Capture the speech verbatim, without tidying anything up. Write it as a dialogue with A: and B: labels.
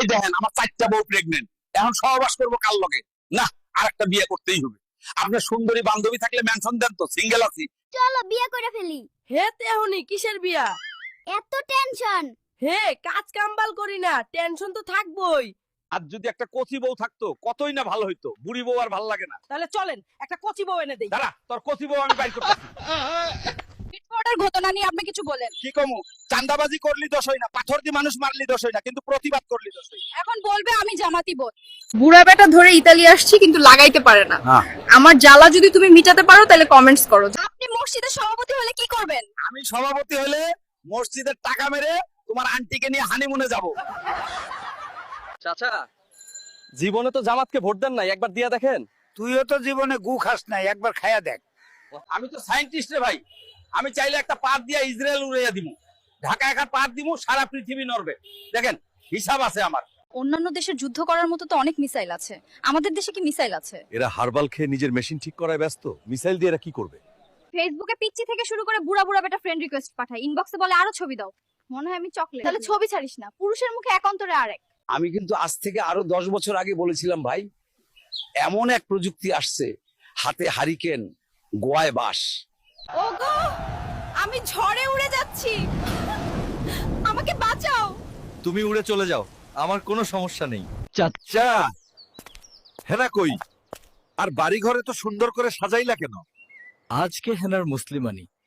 A: এই দেখেন আমার চারটা বউ প্রেগনেন্ট, এখন সহবাস করবো কার লগে? না, আরেকটা বিয়ে করতেই হবে। আপনার সুন্দরী বান্ধবী থাকলে মেনশন দেন তো, সিঙ্গেল আছি।
B: চলো বিয়ে করে ফেলি।
C: হে তেহনি কিসের বিয়া?
B: এত টেনশন।
C: হে কাজ কামবাল করি না, টেনশন তো থাকবই।
A: আর যদি একটা কচি বউ থাকতো কতই না ভালো হইতো, বুড়ি বউ আর ভালো লাগে না।
C: তাহলে চলেন একটা কচি বউ এনে দেই।
A: দাঁড়া, তোর কচি বউ আমি বাইর করতেছি।
B: মিটফোর্ডের ঘটনা নিয়ে আপনি কিছু বলেন।
A: কি কমু? চান্দাবাজি করলি দোষ হয় না, পাথর দিয়ে মানুষ মারলি দোষ হয় না, কিন্তু প্রতিবাদ করলি দোষ হয়।
B: এখন বলবে আমি জামাতি বোন।
D: বুড়া বেটা ধরে ইতালি আসছি কিন্তু লাগাইতে পারে না।
A: হ্যাঁ।
D: আমার জ্বালা যদি তুমি মিটাতে পারো তাহলে কমেন্টস করো।
B: আপনি মসজিদের সভাপতি হলে কি করবেন?
A: আমি সভাপতি হলে মসজিদের টাকা মেরে তোমার আন্টিকে নিয়ে হানিমুনে যাব।
E: চাচা, জীবনে তো জামাতকে ভোট দেন নাই, একবার দিয়া দেখেন।
F: তুইও তো জীবনে গু খাস নাই, একবার খায়া দেখ।
A: আমি তো সায়েন্টিস্ট রে ভাই, আমি চাইলে একটা পাত দিয়া ইসরায়েল উড়াইয়া দিমু, ঢাকা একটা পাত দিমু, সারা পৃথিবী নড়বে। দেখেন হিসাব আছে আমার।
B: অন্যান্য দেশের যুদ্ধ করার মতো তো অনেক মিসাইল আছে, আমাদের দেশে কি মিসাইল আছে?
G: এরা হারবাল খেয়ে নিজের মেশিন ঠিক করায় ব্যস্ত, মিসাইল দিয়ে এরা কি করবে?
B: ফেসবুকে পিচ্চি থেকে শুরু করে বুড়া বুড়া বেটা ফ্রেন্ড রিকোয়েস্ট পাঠায়, ইনবক্সে বলে আরো ছবি দাও। মনে হয় আমি চকলেট। তাহলে ছবি ছাড়িস না, পুরুষের মুখে এক অন্তরে আরেক।
A: আমি কিন্তু আজ থেকে আরো দশ বছর আগে বলেছিলাম ভাই, এমন এক প্রযুক্তি আসছে, হাতে হারিকেন, গোয়ায় বাস।
B: ওগো, আমি ঝড়ে উড়ে যাচ্ছি, আমাকে বাঁচাও।
G: তুমি উড়ে চলে যাও, আমার কোনো সমস্যা নেই। চাচা, হেনা কই? আর বাড়ি ঘরে তো সুন্দর করে সাজাইলা কেন?
E: আজকে হেনার মুসলিমানি,